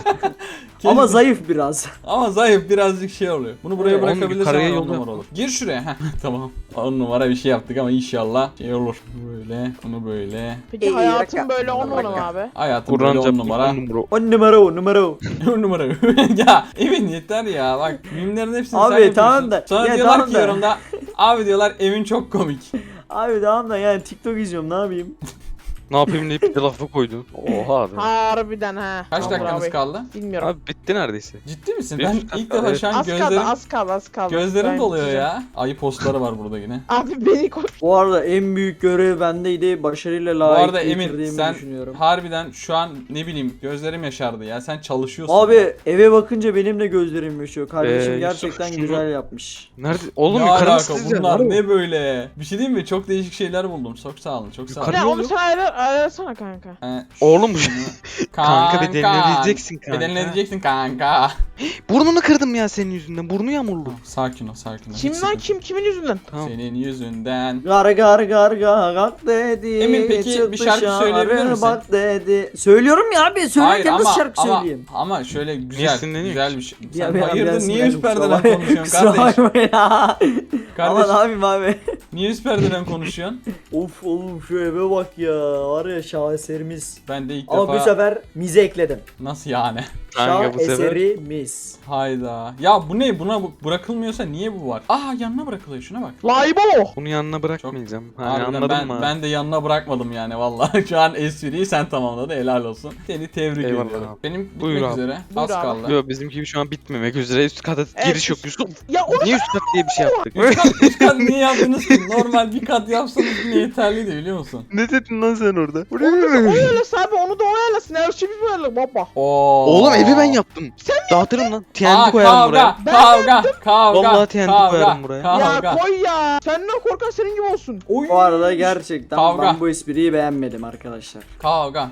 Speaker 3: Ama zayıf biraz.
Speaker 1: Ama zayıf, birazcık şey oluyor. Bunu buraya
Speaker 3: Evet.
Speaker 2: Oğlum,
Speaker 1: bırakabilirsen
Speaker 2: yukarıya
Speaker 1: 10
Speaker 2: yol
Speaker 1: numara olur. Gir şuraya. Heh, tamam. 10 numara bir şey yaptık ama inşallah şey olur. Böyle, bunu böyle.
Speaker 4: Peki
Speaker 3: İyi,
Speaker 4: hayatım
Speaker 3: dakika.
Speaker 4: böyle 10 numara mı
Speaker 3: Dakika.
Speaker 4: abi?
Speaker 1: Hayatım böyle 10
Speaker 2: Kur'anca
Speaker 1: numara.
Speaker 2: 10 numara.
Speaker 3: 10 numara o numara o.
Speaker 1: 10 numara. Ya Emin yeter ya. Bak mimlerin hepsini
Speaker 3: Abi,
Speaker 1: sen yapıyorsun.
Speaker 3: tamam da-
Speaker 1: Sonra
Speaker 3: ya,
Speaker 1: diyorlar
Speaker 3: tamam
Speaker 1: ki
Speaker 3: da.
Speaker 1: yorumda. Abi diyorlar Emin çok komik.
Speaker 3: Abi tamam da yani TikTok izliyorum ne yapayım?
Speaker 2: Ne yapayım deyip bir de lafı koydun. Oha abi.
Speaker 4: Harbiden ha.
Speaker 1: Kaç
Speaker 4: Tamam
Speaker 1: dakikamız
Speaker 4: abi.
Speaker 1: kaldı?
Speaker 4: Bilmiyorum.
Speaker 2: Abi bitti neredeyse.
Speaker 1: Ciddi misin?
Speaker 2: Bir
Speaker 1: Ben
Speaker 2: dakika,
Speaker 1: ilk defa
Speaker 2: evet.
Speaker 1: şu an
Speaker 4: Az kaldı, az kaldı.
Speaker 1: gözlerim
Speaker 4: Ben
Speaker 1: doluyor
Speaker 4: biteceğim.
Speaker 1: ya. Ayı postları var burada yine.
Speaker 4: Abi beni koy.
Speaker 3: Bu arada en büyük görev bendeydi. Başarıyla
Speaker 1: Bu
Speaker 3: layık
Speaker 1: arada Emin
Speaker 3: getirdiğimi
Speaker 1: sen
Speaker 3: düşünüyorum.
Speaker 1: harbiden şu an ne bileyim gözlerim yaşardı ya. Sen çalışıyorsun.
Speaker 3: Abi eve bakınca benim de gözlerim yaşıyor. Kardeşim
Speaker 2: Yusuf,
Speaker 3: gerçekten
Speaker 2: şunu-
Speaker 3: güzel yapmış.
Speaker 2: Nerede? Oğlum
Speaker 1: ne
Speaker 2: yukarı
Speaker 1: alaka
Speaker 2: nasıl çıkacağız?
Speaker 1: bunlar
Speaker 2: Nerede?
Speaker 1: ne böyle? Bir şey diyeyim mi? Çok değişik şeyler buldum. Çok sağ olun. Çok sağ olun.
Speaker 2: Yukarı-
Speaker 4: Ya onu sen ayarlasana kanka.
Speaker 2: Oğlum,
Speaker 1: şunu-
Speaker 2: Kanka bedelini ödeyeceksin kanka.
Speaker 1: Bedelini ödeyeceksin kanka.
Speaker 2: Burnunu kırdım ya senin yüzünden. Burnu yamuldu.
Speaker 1: Sakin ol, sakin ol.
Speaker 4: Kim
Speaker 1: Hiç
Speaker 4: lan
Speaker 1: sıkıntı
Speaker 4: kim? Kimin yüzünden?
Speaker 2: Tamam.
Speaker 1: Senin yüzünden.
Speaker 3: Gar gar gar gak dedi.
Speaker 1: Emin, peki bir
Speaker 3: çıktı
Speaker 1: şarkı söyleyebilir
Speaker 3: şarı
Speaker 1: misin?
Speaker 3: Bak dedi. Söylüyorum ya abi. Söylerken nasıl şarkı söyleyeyim?
Speaker 1: ama şöyle güzel,
Speaker 2: sinirleniyor
Speaker 1: güzel bir şey.
Speaker 3: Ya
Speaker 1: Sen
Speaker 3: ben
Speaker 1: hayırdır
Speaker 3: biraz
Speaker 1: niye üst
Speaker 3: sinirlendim,
Speaker 1: perdeden
Speaker 3: kusura
Speaker 1: konuşuyorsun
Speaker 3: bakma.
Speaker 1: kardeş?
Speaker 3: Kusura bakma ya. Ama
Speaker 1: Kardeş
Speaker 3: ne yapayım abi?
Speaker 1: niye üst perdeden konuşuyorsun?
Speaker 3: Of oğlum şu eve bak ya. Var ya şaheserimiz.
Speaker 1: Ben de ilk
Speaker 3: Ama bu
Speaker 1: defa
Speaker 3: sefer mize ekledim.
Speaker 1: nasıl yani?
Speaker 2: Kanka bu sefer.
Speaker 3: Şaheserimiz.
Speaker 1: Hayda. Ya bu ne? Buna bırakılmıyorsa niye bu var? Aa yanına bırakılıyor, şuna bak.
Speaker 4: Laybo.
Speaker 2: Bunu yanına bırakmayacağım. Hani
Speaker 1: Harbiden
Speaker 2: anladın mı?
Speaker 1: ben de yanına bırakmadım yani vallahi. Şu an espriyi sen tamamladın, helal olsun. Seni tebrik
Speaker 2: Eyvallah
Speaker 1: ediyorum.
Speaker 2: abi.
Speaker 1: Benim bitmek
Speaker 2: Buyur abi.
Speaker 1: üzere.
Speaker 4: Buyur
Speaker 1: Az
Speaker 4: abi.
Speaker 1: kaldı.
Speaker 2: Yo bizimki gibi şu an bitmemek üzere. Üst kata
Speaker 4: Evet,
Speaker 2: giriş yok Yusuf.
Speaker 4: Ya onu
Speaker 2: Niye üst kat diye bir şey yaptık?
Speaker 1: Üst kat niye yaptınız ki? Normal bir kat yapsanız yine yeterliydi biliyor musun?
Speaker 2: Ne dedin lan sen orada?
Speaker 4: ayarlasın abi onu da ayarlasın. Her şeyi bir ayarla baba.
Speaker 1: Oo.
Speaker 2: Oğlum evi ben yaptım. Dağıtırım lan. TNT
Speaker 1: Aa,
Speaker 2: koyarım buraya.
Speaker 1: kavga.
Speaker 2: Vallahi TNT koyarım buraya.
Speaker 4: Ya
Speaker 1: Kavga.
Speaker 4: koy ya. Senden korkan senin gibi olsun.
Speaker 1: Oy.
Speaker 3: Bu arada gerçekten
Speaker 1: Kavga.
Speaker 3: ben bu espriyi beğenmedim arkadaşlar.
Speaker 1: Kavga.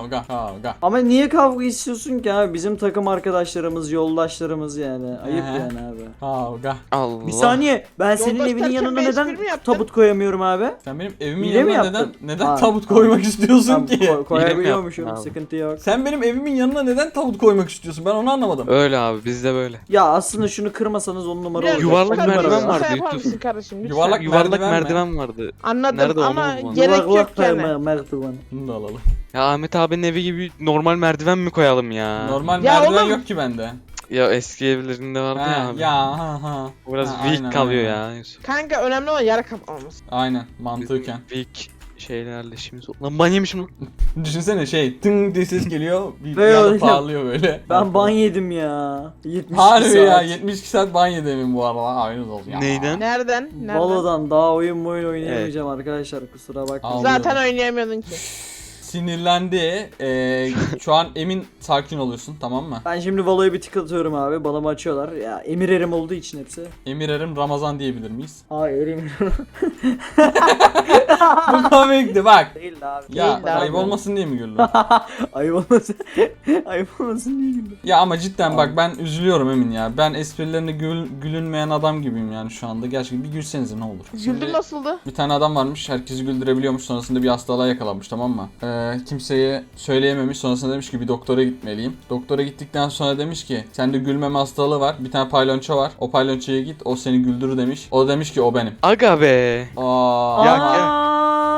Speaker 3: Ama niye kavga istiyorsun ki abi? Bizim takım arkadaşlarımız, yoldaşlarımız yani. Ayıp
Speaker 1: He.
Speaker 3: yani abi.
Speaker 1: Kavga.
Speaker 2: Allah.
Speaker 3: Bir saniye. Ben senin
Speaker 4: Yoldaş
Speaker 3: evinin
Speaker 4: derken
Speaker 3: yanına
Speaker 4: bir
Speaker 3: neden
Speaker 4: espri mi yaptın?
Speaker 3: tabut koyamıyorum abi?
Speaker 1: Sen benim evimin
Speaker 3: Hile mi
Speaker 1: yanına
Speaker 3: yaptın?
Speaker 1: neden
Speaker 3: Ha,
Speaker 1: tabut
Speaker 3: tamam.
Speaker 1: koymak istiyorsun
Speaker 3: Tamam,
Speaker 1: ki?
Speaker 3: koyabiliyormuşum.
Speaker 2: yaptın abi.
Speaker 3: Sıkıntı yok.
Speaker 1: Sen benim evimin yanına neden tabut koymak istiyorsun? Ben onu anlamadım.
Speaker 2: Öyle abi bizde böyle.
Speaker 3: Ya aslında şunu kırmasanız 10 numara
Speaker 4: Biraz
Speaker 3: olur.
Speaker 2: Yuvarlak
Speaker 4: çıkar
Speaker 2: merdiven
Speaker 4: mısın?
Speaker 2: vardı
Speaker 4: Lütfen yapar
Speaker 2: Yusuf.
Speaker 4: mısın kardeşim? Lütfen.
Speaker 1: Yuvarlak
Speaker 2: Yuvarlak
Speaker 1: merdiven mi?
Speaker 2: merdiven vardı.
Speaker 4: Anladım
Speaker 2: Nerede onu
Speaker 4: ama
Speaker 2: bulman?
Speaker 4: gerek yok
Speaker 3: Yuvarlak
Speaker 4: yani.
Speaker 3: merdiven.
Speaker 1: Bunu da alalım.
Speaker 2: Ya Ahmet abinin evi gibi normal merdiven mi koyalım ya?
Speaker 1: Normal
Speaker 4: Ya
Speaker 1: merdiven
Speaker 4: oğlum.
Speaker 1: yok ki bende.
Speaker 2: Ya eski evlerinde vardı ya
Speaker 1: Ha,
Speaker 2: abi.
Speaker 1: ya ha.
Speaker 2: O biraz
Speaker 1: Ha,
Speaker 2: weak
Speaker 1: aynen,
Speaker 2: kalıyor
Speaker 1: aynen.
Speaker 2: ya Yusuf.
Speaker 4: Kanka önemli olan yara kapamamız.
Speaker 1: Aynen mantıken.
Speaker 2: Weak şeylerle şimdi. Lan ban yemişim lan.
Speaker 1: Düşünsene şey tınk diye ses geliyor. Bir
Speaker 3: Ve
Speaker 1: anda
Speaker 3: öyle.
Speaker 1: parlıyor böyle.
Speaker 3: Ben ban yedim ya. 72
Speaker 1: Harbi
Speaker 3: saat.
Speaker 1: ya 72 saat ban yedim bu arada. Haberiniz olsun ya.
Speaker 2: Neyden?
Speaker 4: Nereden? Nereden?
Speaker 3: Valo'dan daha oyun oynayamayacağım arkadaşlar kusura bakmayın.
Speaker 1: Al.
Speaker 4: Zaten oynayamıyordun ki.
Speaker 1: Sinirlendi. Şu an Emin sakin oluyorsun, tamam mı?
Speaker 3: Ben şimdi Valo'ya bir tık atıyorum abi. Balımı açıyorlar. Ya Emir Erim olduğu için hepsi.
Speaker 1: Emir Erim Ramazan diyebilir miyiz?
Speaker 3: Hayır Emir
Speaker 1: Bu komikti bak.
Speaker 3: değil de abi.
Speaker 1: Ya
Speaker 4: Değil de
Speaker 1: ayıp
Speaker 4: abi.
Speaker 1: olmasın diye mi güldün?
Speaker 3: Ayıp olmasın. Ayıp olmasın diye güldüm.
Speaker 1: Ya ama cidden bak ben üzülüyorum Emin ya. Ben esprilerine gülünmeyen adam gibiyim yani şu anda. Gerçekten bir gülsenize ne olur.
Speaker 4: Güldün
Speaker 1: Şimdi
Speaker 4: nasıldı?
Speaker 1: bir tane adam varmış, herkesi güldürebiliyormuş, sonrasında bir hastalığa yakalanmış, tamam mı? Kimseye söyleyememiş, sonrasında demiş ki bir doktora gitmeliyim. Doktora gittikten sonra demiş ki sende gülmeme hastalığı var, bir tane palyonço var, o palyonçoya git, o seni güldürür demiş. O demiş ki o benim.
Speaker 2: Aga be.
Speaker 1: Aa,
Speaker 2: Ya,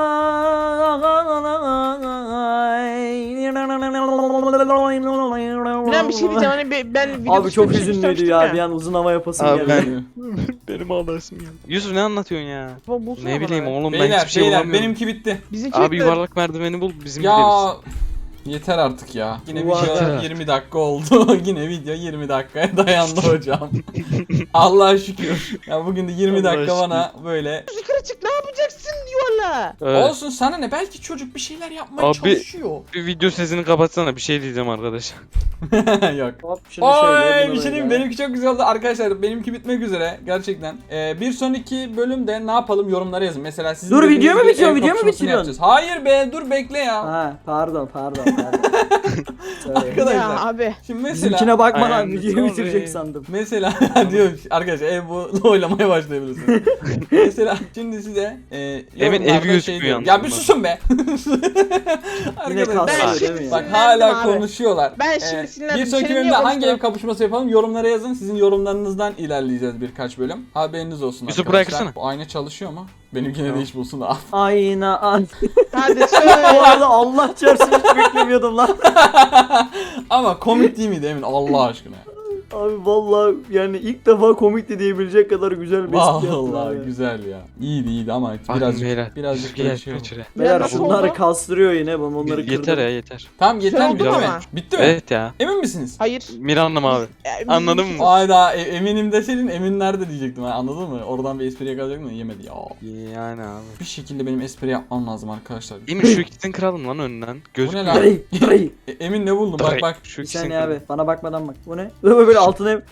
Speaker 4: Bilen bir şey diyeceğim hani ben video
Speaker 3: Abi çok
Speaker 4: dışında bir şey
Speaker 3: hüzünlüydü
Speaker 4: istemiştim
Speaker 3: ya. Bir an uzun hava yapasım
Speaker 2: Abi
Speaker 3: geldi.
Speaker 2: Benim ağlasım ya. Yusuf ne anlatıyorsun ya?
Speaker 4: Bulsana
Speaker 2: Ne
Speaker 4: bana
Speaker 2: bileyim
Speaker 4: ya.
Speaker 2: oğlum ben
Speaker 1: Beyler
Speaker 2: hiçbir şey
Speaker 1: beyler
Speaker 2: bulamıyorum.
Speaker 1: benimki bitti.
Speaker 4: Bizimki
Speaker 2: Abi
Speaker 4: bitti.
Speaker 2: yuvarlak merdiveni bul bizim
Speaker 1: Ya Yeter artık ya. Yine
Speaker 3: Vay.
Speaker 1: video 20 dakika oldu. Yine video 20 dakikaya dayandı hocam. Allah'a şükür. Ya bugün de 20
Speaker 2: Allah'a
Speaker 1: dakika
Speaker 2: şükür.
Speaker 1: bana böyle.
Speaker 4: Yukarı çık ne yapacaksın diyorlar.
Speaker 2: Evet.
Speaker 1: Olsun sana ne? Belki çocuk bir şeyler yapmaya
Speaker 2: Abi-
Speaker 1: çalışıyor.
Speaker 2: Bir video sesini kapatsana, bir şey diyeceğim arkadaş.
Speaker 1: Yok.
Speaker 3: Hop şunu şöyle.
Speaker 1: Oy
Speaker 3: bunu
Speaker 1: bir şey diyeyim mi?
Speaker 3: böyle.
Speaker 1: Benimki çok güzel oldu arkadaşlar. Benimki bitmek üzere gerçekten. Bir sonraki bölümde ne yapalım yorumlara yazın. Mesela sizin
Speaker 3: Dur,
Speaker 1: dediğiniz
Speaker 3: video mu
Speaker 1: gibi
Speaker 3: bitiyor?
Speaker 1: ev
Speaker 3: Video mu
Speaker 1: kapışmasını
Speaker 3: bitiriyorsun?
Speaker 1: yapacağız. Hayır be dur bekle ya.
Speaker 3: Ha pardon. Söyle.
Speaker 1: Arkadaşlar.
Speaker 4: Ya abi.
Speaker 1: Şimdi mesela
Speaker 3: Bizimkine bakmadan
Speaker 2: Aynen,
Speaker 3: videoyu
Speaker 2: sorry.
Speaker 3: bitirecek sandım.
Speaker 1: mesela diyor arkadaşlar ev bu oylamaya başlayabilirsiniz. Mesela şimdi size
Speaker 2: Evin
Speaker 1: yorumlarda
Speaker 2: evi gözüküyor
Speaker 1: diyorum.
Speaker 2: yalnız
Speaker 1: Ya bir
Speaker 2: bunlar.
Speaker 1: susun be.
Speaker 3: Yine
Speaker 1: Arkadaşlar,
Speaker 3: kasıyor
Speaker 4: Ben
Speaker 3: değil
Speaker 4: şimdi
Speaker 3: mi
Speaker 1: bak
Speaker 3: ya?
Speaker 1: hala
Speaker 4: sinirlendim abi.
Speaker 1: konuşuyorlar.
Speaker 4: Ben şimdi sinirlendim.
Speaker 1: Bir sonraki
Speaker 4: Senin
Speaker 1: bölümde
Speaker 4: niye
Speaker 1: hangi ev
Speaker 4: konuştun?
Speaker 1: kapışması yapalım yorumlara yazın. Sizin yorumlarınızdan ilerleyeceğiz birkaç bölüm. Haberiniz olsun
Speaker 2: Yusuf,
Speaker 1: arkadaşlar.
Speaker 2: bıraksana.
Speaker 1: Bu ayna çalışıyor mu? Benimkine de
Speaker 2: Tamam.
Speaker 1: iş bulsun da.
Speaker 3: Ayna an.
Speaker 4: Hadi
Speaker 3: Bu
Speaker 4: söyle.
Speaker 3: arada Allah çarpsın hiç beklemiyordum lan.
Speaker 1: Ama komik değil miydi Emin Allah aşkına?
Speaker 3: Abi vallahi yani ilk defa komikti diyebilecek kadar güzel bir espri yaptın
Speaker 1: Vallahi
Speaker 3: abi.
Speaker 1: güzel ya. İyiydi ama
Speaker 2: Birazcık
Speaker 1: birazcık böyle şey oldu.
Speaker 3: Beyler
Speaker 4: Nasıl
Speaker 3: bunları
Speaker 4: oldu?
Speaker 3: kastırıyor yine ben onları kırdım.
Speaker 2: Yeter ya, yeter.
Speaker 1: Tamam yeter
Speaker 4: Şey
Speaker 1: mi?
Speaker 4: oldu
Speaker 1: Bitti mi?
Speaker 4: ama.
Speaker 1: Bitti mi?
Speaker 2: Evet ya.
Speaker 1: Emin misiniz?
Speaker 4: Hayır.
Speaker 2: Miran'ım abi. Anladın mı?
Speaker 1: Ayda eminim deseydin Emin nerede diyecektim ha, anladın mı? Oradan bir espri yakalayacaktım da yemedi ya.
Speaker 2: Yani abi.
Speaker 1: Bir şekilde benim espri yapmam lazım arkadaşlar.
Speaker 2: Emin şu ikisini kıralım lan önden.
Speaker 1: Bu ne
Speaker 2: Gözükmüyor.
Speaker 1: lan?
Speaker 3: Dırıy, dırıy.
Speaker 1: Emin ne buldun? Bak bak.
Speaker 2: Şu
Speaker 3: Bir
Speaker 2: ikisini
Speaker 3: saniye
Speaker 2: kıralım.
Speaker 3: abi bana bakmadan bak. Bu ne? Böyle altına hep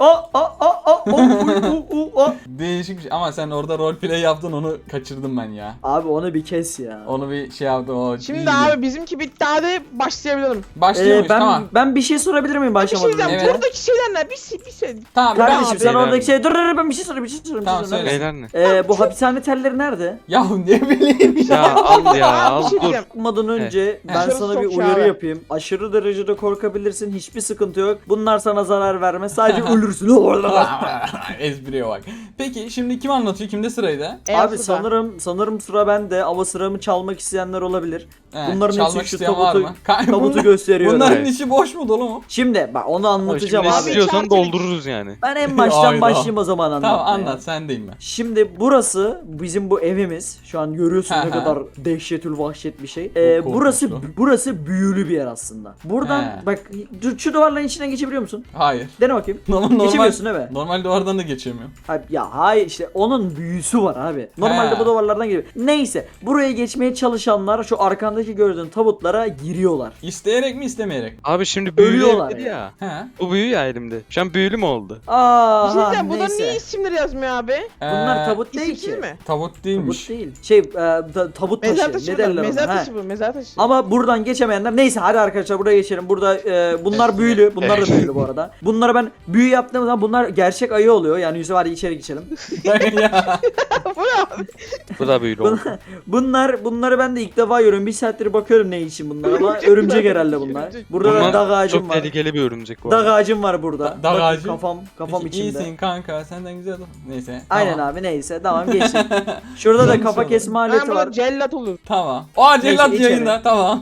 Speaker 1: Değişik bir şey ama sen orada roleplay yaptın onu kaçırdım ben ya.
Speaker 3: Abi onu bir kes ya.
Speaker 1: Onu bir şey yaptım o
Speaker 4: Şimdi
Speaker 1: iyiydi.
Speaker 4: abi bizimki bitti hadi başlayabilirim.
Speaker 1: Başlıyor muyuz?
Speaker 3: ben
Speaker 1: Tamam.
Speaker 3: ben bir şey sorabilir miyim
Speaker 4: Bir şey
Speaker 3: başlamadan
Speaker 4: diyeceğim.
Speaker 3: önce?
Speaker 1: Evet.
Speaker 4: Buradaki şeyler ne? Bir şey.
Speaker 1: Tamam ben
Speaker 3: Kardeşim sen
Speaker 4: abi.
Speaker 3: oradaki şey dur ben bir şey sorayım.
Speaker 1: Tamam, söyle.
Speaker 2: Beyler ne?
Speaker 3: Bu hapishane telleri nerede?
Speaker 1: Ya ne bileyim ya.
Speaker 2: Ya al ya al
Speaker 4: Bir şey
Speaker 2: dur.
Speaker 4: diyeceğim.
Speaker 3: Okumadan önce ben
Speaker 4: Dışarı
Speaker 3: sana bir
Speaker 4: sok ya
Speaker 3: uyarı
Speaker 4: abi.
Speaker 3: yapayım. Aşırı derecede korkabilirsin. Hiçbir sıkıntı yok. Bunlar sana zarar vermez. Sadece ölürsün.
Speaker 1: Espriye bak. Peki şimdi kim anlatıyor? Kimde sıraydı?
Speaker 3: Abi sanırım sıra bende ama sıramı çalmak isteyenler olabilir.
Speaker 1: He,
Speaker 3: Bunların
Speaker 1: çalmak
Speaker 3: hepsi şu
Speaker 1: isteyen var mı?
Speaker 3: tabutu gösteriyorum.
Speaker 1: Bunların
Speaker 2: Evet.
Speaker 1: içi boş mu dolu mu?
Speaker 3: Şimdi bak onu anlatacağım
Speaker 2: Şimdi
Speaker 3: abi.
Speaker 2: istiyorsan
Speaker 4: Abi,
Speaker 2: doldururuz yani.
Speaker 3: Ben en baştan
Speaker 1: Hayda.
Speaker 3: başlayayım o zaman anlatmaya.
Speaker 1: Tamam anlat sendeyim ben.
Speaker 3: Şimdi burası bizim bu evimiz. Şu an görüyorsun
Speaker 1: Hı
Speaker 3: ne
Speaker 1: hı.
Speaker 3: kadar dehşetül vahşet bir şey.
Speaker 1: Çok
Speaker 3: Burası
Speaker 1: korkunçlu.
Speaker 3: burası büyülü bir yer aslında. Buradan
Speaker 1: He.
Speaker 3: bak şu duvarların içinden geçebiliyor musun?
Speaker 1: Hayır.
Speaker 3: Dene bakayım.
Speaker 1: Normal
Speaker 3: Geçemiyorsun değil mi?
Speaker 1: normal duvardan da geçemiyorum.
Speaker 3: Hayır işte onun büyüsü var abi. Normalde
Speaker 1: He.
Speaker 3: bu duvarlardan giriyor. Neyse buraya geçmeye çalışanlar şu arkandaki gördüğün tabutlara giriyorlar.
Speaker 1: İsteyerek mi istemeyerek?
Speaker 2: Abi şimdi büyülü
Speaker 3: Ölüyorlar
Speaker 2: dedi ya.
Speaker 1: He.
Speaker 2: Bu büyü ya elimde. Şu an büyülü mü oldu?
Speaker 4: Bir şey
Speaker 3: Aa
Speaker 4: diyeceğim. Bunların
Speaker 3: neyse.
Speaker 4: niye isimleri yazmıyor abi?
Speaker 3: Bunlar tabut değil
Speaker 4: İsimsiz
Speaker 3: ki.
Speaker 4: mi?
Speaker 1: Tabut değilmiş.
Speaker 3: Tabut değil. tabut taşı.
Speaker 4: Mezar taşı
Speaker 3: Ne
Speaker 4: bu.
Speaker 3: derler
Speaker 4: Mezar
Speaker 3: ona? Ha.
Speaker 4: taşı bu. Mezar taşı.
Speaker 3: Ama buradan geçemeyenler neyse hadi arkadaşlar buraya geçelim. Burada bunlar büyülü. Bunlar da büyülü bu arada. Bunlara ben büyü yaptığım zaman bunlar gerçek ayı oluyor. Yani Yusuf hadi içeri geçelim.
Speaker 1: Ya.
Speaker 4: Bu ne abi?
Speaker 2: Bu da büyülü oldu.
Speaker 3: Bunları ben de ilk defa görüyorum. Bir saattir bakıyorum ne için bunlar ama örümcek herhalde bunlar.
Speaker 4: Örümcek.
Speaker 3: Burada da
Speaker 2: Bunlar
Speaker 3: dağ ağacım
Speaker 2: çok
Speaker 3: var.
Speaker 2: tehlikeli bir örümcek bu
Speaker 3: Dağ
Speaker 2: arada.
Speaker 3: ağacım var burada.
Speaker 1: Dağ
Speaker 3: Bakın
Speaker 1: ağacı?
Speaker 3: kafam
Speaker 1: Peki,
Speaker 3: içinde.
Speaker 1: İyisin kanka senden güzel adam. Neyse.
Speaker 3: Aynen
Speaker 1: tamam.
Speaker 3: abi neyse tamam geçin. Şurada da
Speaker 1: Yanlış
Speaker 3: kafa
Speaker 1: oldu.
Speaker 3: kesme
Speaker 4: Ben
Speaker 3: aleti
Speaker 4: burada
Speaker 3: var.
Speaker 4: cellat olur.
Speaker 1: Tamam. Aa cellat
Speaker 3: Neyse,
Speaker 1: yayında tamam.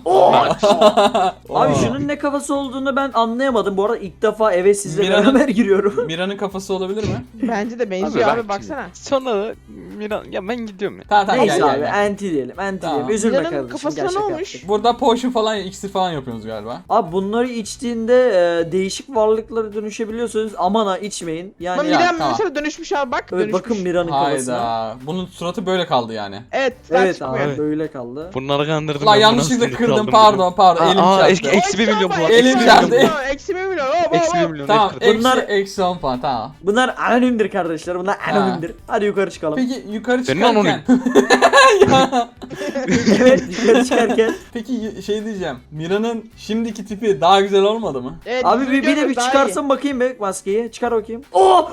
Speaker 3: Abi şunun ne kafası olduğunu ben anlayamadım. Bu arada ilk defa eve sizle
Speaker 1: Mira'nın-
Speaker 3: beraber giriyorum.
Speaker 1: Mira'nın kafası olabilir mi?
Speaker 4: Bence de benziyor
Speaker 2: bak
Speaker 4: abi
Speaker 2: şimdi.
Speaker 4: baksana.
Speaker 2: Sonra da Miran ya ben gidiyorum ya.
Speaker 1: Tamam tamam
Speaker 3: Neyse
Speaker 1: gel,
Speaker 3: abi
Speaker 1: gel, gel.
Speaker 3: anti diyelim. Anti
Speaker 1: Tamam.
Speaker 3: diyelim. Üzülme
Speaker 4: Mira'nın
Speaker 3: kardeşim.
Speaker 4: kafasına
Speaker 3: Gerçek
Speaker 4: ne olmuş?
Speaker 3: yaptık.
Speaker 1: Burada potion falan iksir falan yapıyorsunuz galiba.
Speaker 3: Abi bunları içtiğinde değişik varlıklara dönüşebiliyorsunuz. Aman ha içmeyin. Yani
Speaker 4: Ama
Speaker 1: ya,
Speaker 4: Miran
Speaker 1: tamam.
Speaker 4: mesela dönüşmüş abi bak.
Speaker 3: evet,
Speaker 4: Dönüşmüş.
Speaker 3: bakın Mira'nın kafasına.
Speaker 1: Hayda. Bunun suratı böyle kaldı yani.
Speaker 4: Evet.
Speaker 3: Evet
Speaker 4: çıkmıyor.
Speaker 3: abi böyle kaldı.
Speaker 2: Bunları kandırdım.
Speaker 1: La
Speaker 2: ben, bu
Speaker 1: yanlışlıkla
Speaker 2: nasıl
Speaker 1: kırdım
Speaker 2: kaldım
Speaker 1: pardon elim
Speaker 2: Aa,
Speaker 1: çarptı.
Speaker 2: eksi 1 milyon puan.
Speaker 1: Elim
Speaker 2: Eksi
Speaker 1: çarptı.
Speaker 2: 1 milyon.
Speaker 4: Eksi 1 milyon.
Speaker 2: Eksi 1 milyon.
Speaker 1: Tamam
Speaker 2: kırdım.
Speaker 3: Bunlar-
Speaker 1: eksi 10 puan tamam.
Speaker 3: Bunlar anonimdir kardeşler. Bunlar
Speaker 1: Ha.
Speaker 3: anonimdir. Hadi yukarı çıkalım.
Speaker 1: Peki yukarı
Speaker 2: Senin
Speaker 1: çıkarken. Ya.
Speaker 3: Evet yukarı çıkarken.
Speaker 1: Peki şey diyeceğim. Mira'nın şimdiki tipi daha güzel olmadı mı?
Speaker 4: Evet,
Speaker 3: Abi bir de
Speaker 4: videoda
Speaker 3: bir
Speaker 4: daha
Speaker 3: çıkarsın bakayım be maskeyi. Çıkar bakayım. Oh!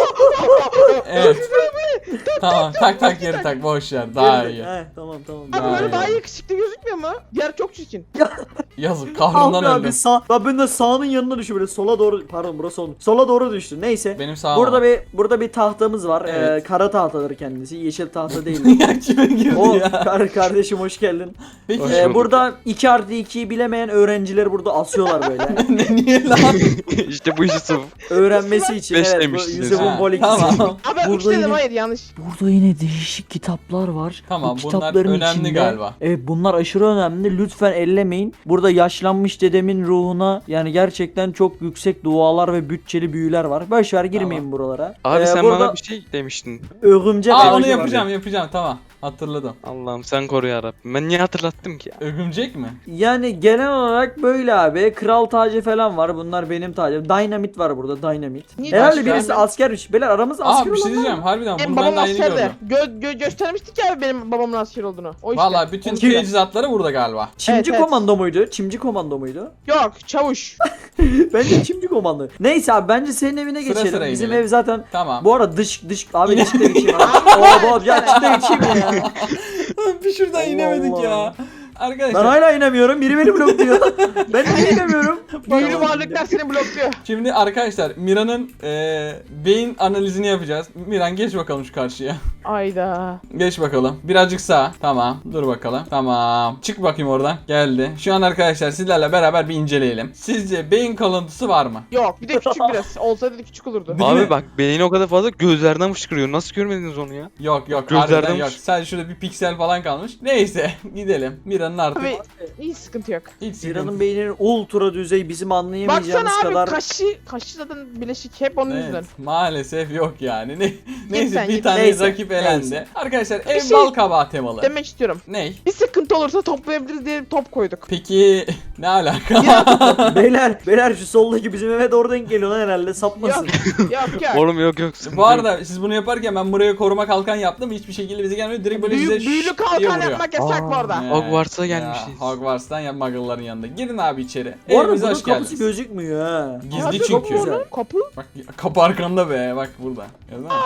Speaker 1: Evet. Tamam tak geri tak boş ver daha iyi.
Speaker 3: He, tamam.
Speaker 4: iyi. Abi
Speaker 1: Daha
Speaker 4: böyle
Speaker 1: iyi.
Speaker 4: daha yakışıklı gözükmüyor mu? Diğer çok çirkin.
Speaker 1: Yazık
Speaker 3: Ah
Speaker 1: kahrından
Speaker 3: be abi
Speaker 1: öldüm.
Speaker 3: sağ. Ben de sağının yanına düşüyorum. böyle sola doğru, pardon burası sol. Sola doğru düştü. Neyse.
Speaker 1: Benim sağım.
Speaker 3: Burada bir tahtamız var.
Speaker 1: Evet.
Speaker 3: Kara tahtadır kendisi. Yeşil tahta değil.
Speaker 1: Ya kime girdi
Speaker 3: O
Speaker 1: ya?
Speaker 3: kardeşim hoş geldin.
Speaker 1: Peki
Speaker 2: Hoş bulduk.
Speaker 3: Burada 2+2'yi bilemeyen öğrencileri burada asıyorlar böyle.
Speaker 1: niye lan?
Speaker 2: işte bu işi sırf.
Speaker 3: Öğrenmesi için.
Speaker 2: Beş
Speaker 3: Evet, bu
Speaker 2: demiştiniz.
Speaker 3: Yusuf'un
Speaker 1: Ha,
Speaker 3: bol ikisi.
Speaker 1: tamam.
Speaker 4: Abi ben 3
Speaker 3: Burada
Speaker 4: dedim
Speaker 3: yine-
Speaker 4: hayır yanlış.
Speaker 3: Burada yine değişik kitaplar var.
Speaker 1: Tamam,
Speaker 3: Bu
Speaker 1: bunlar
Speaker 3: kitapların
Speaker 1: önemli galiba.
Speaker 3: Evet, bunlar aşırı önemli. Lütfen ellemeyin. Burada yaşlanmış dedemin ruhuna yani gerçekten çok yüksek dualar ve bütçeli büyüler var. Boşver girmeyin
Speaker 1: Tamam.
Speaker 3: buralara.
Speaker 2: Abi sen
Speaker 3: burada
Speaker 2: bana bir şey demiştin.
Speaker 3: örümcek
Speaker 1: Aa
Speaker 3: ağacı
Speaker 1: onu
Speaker 3: var.
Speaker 1: yapacağım tamam. Hatırladım.
Speaker 2: Allah'ım sen koru yarabbim. Ben niye hatırlattım ki ya?
Speaker 1: Örümcek mi?
Speaker 3: Yani genel olarak böyle abi. Kral tacı falan var. Bunlar benim tacım. Dynamit var burada. Dynamit.
Speaker 4: Niye
Speaker 3: Herhalde
Speaker 1: başka?
Speaker 3: birisi askermiş. Beyler aramızda asker
Speaker 1: Aa bir şey
Speaker 3: olan var
Speaker 1: diyeceğim
Speaker 3: mı?
Speaker 1: harbiden
Speaker 4: Benim
Speaker 1: bunu ben
Speaker 4: babam
Speaker 1: daha yeni
Speaker 4: askerde.
Speaker 1: gördüm.
Speaker 4: Göstermiştik ya abi benim babamın asker olduğunu. O işte.
Speaker 1: Valla bütün
Speaker 3: Kim?
Speaker 1: teçhizatları burada galiba.
Speaker 3: Çimci
Speaker 4: Evet.
Speaker 3: komando muydu? Çimci komando muydu?
Speaker 4: Yok çavuş.
Speaker 3: Bence çimci komando. Neyse abi bence senin evine
Speaker 1: Sıra
Speaker 3: geçelim.
Speaker 1: sıra
Speaker 3: Bizim
Speaker 1: inelim.
Speaker 3: ev zaten
Speaker 1: Tamam.
Speaker 3: bu arada dış abi dışta geçeyim abi. Oo bu ya dışta geçeyim ya.
Speaker 1: bir şuradan
Speaker 3: Allah
Speaker 1: inemedik
Speaker 3: Allah.
Speaker 1: ya.
Speaker 3: Ben
Speaker 1: Arkadaşlar
Speaker 3: hala inemiyorum. Biri beni blokluyor. Ben niye inemiyorum?
Speaker 4: Büyülü varlıklar seni blokluyor.
Speaker 1: şimdi arkadaşlar Mira'nın beyin analizini yapacağız. Miran geç bakalım şu karşıya.
Speaker 4: Ayda.
Speaker 1: Geç bakalım. Birazcık sağ. Tamam. Dur bakalım. Tamam. Çık bakayım oradan. Geldi. Şu an arkadaşlar sizlerle beraber bir inceleyelim. Sizce beyin kalıntısı var mı?
Speaker 4: Yok bir de küçük biraz. Olsaydı da küçük olurdu.
Speaker 1: Değil mi?
Speaker 2: Abi bak beyni o kadar fazla gözlerden fışkırıyor. Nasıl görmediniz onu ya?
Speaker 1: Yok yok.
Speaker 2: Gözlerden
Speaker 1: Harbiden
Speaker 2: mi?
Speaker 1: yok. Sadece şurada bir piksel falan kalmış. Neyse. Gidelim. Mira'nın artık
Speaker 4: Abi iyi sıkıntı yok.
Speaker 1: hiç sıkıntı.
Speaker 3: Mira'nın beyninin ultra düzey bizim anlayamayacağımız
Speaker 4: Baksana abi
Speaker 3: kadar.
Speaker 4: kaşı zaten bileşik hep onun yüzünden.
Speaker 1: Evet, maalesef yok yani. Neyse
Speaker 4: sen
Speaker 1: bir
Speaker 4: git.
Speaker 1: tane
Speaker 3: Neyse,
Speaker 1: rakip elendi.
Speaker 3: neyse.
Speaker 1: Arkadaşlar ev
Speaker 4: şey
Speaker 1: bal kabağı temalı.
Speaker 4: Demek istiyorum.
Speaker 1: Ney?
Speaker 4: Bir sıkıntı olursa toplayabiliriz diye top koyduk.
Speaker 1: Peki ne alaka?
Speaker 3: Beyler şu soldaki bizim eve doğru denk geliyor lan herhalde sapmasın.
Speaker 4: Yok yok.
Speaker 2: Oğlum yok sıkıntı
Speaker 1: Bu arada siz bunu yaparken ben buraya koruma kalkan yaptım. Hiçbir şekilde bize gelmiyor. Direkt böyle size
Speaker 4: Büyülü
Speaker 1: şşş diye
Speaker 4: kalkan
Speaker 1: vuruyor.
Speaker 4: yapmak yasak bu arada.
Speaker 1: He.
Speaker 2: Hogwarts'a
Speaker 1: Ya,
Speaker 2: gelmişiz.
Speaker 1: Hogwarts'tan ya muggle'ların yanında. Girin abi içeri.
Speaker 3: Bu arada
Speaker 1: Evimize
Speaker 3: bunun
Speaker 1: hoş
Speaker 3: kapısı
Speaker 1: geldiniz.
Speaker 3: gözükmüyor ha.
Speaker 1: Gizli
Speaker 4: Abi,
Speaker 1: çünkü.
Speaker 4: Kapı,
Speaker 3: Güzel.
Speaker 4: var lan, kapı.
Speaker 1: Bak kapı arkanda be. Bak burada. Gördün mü?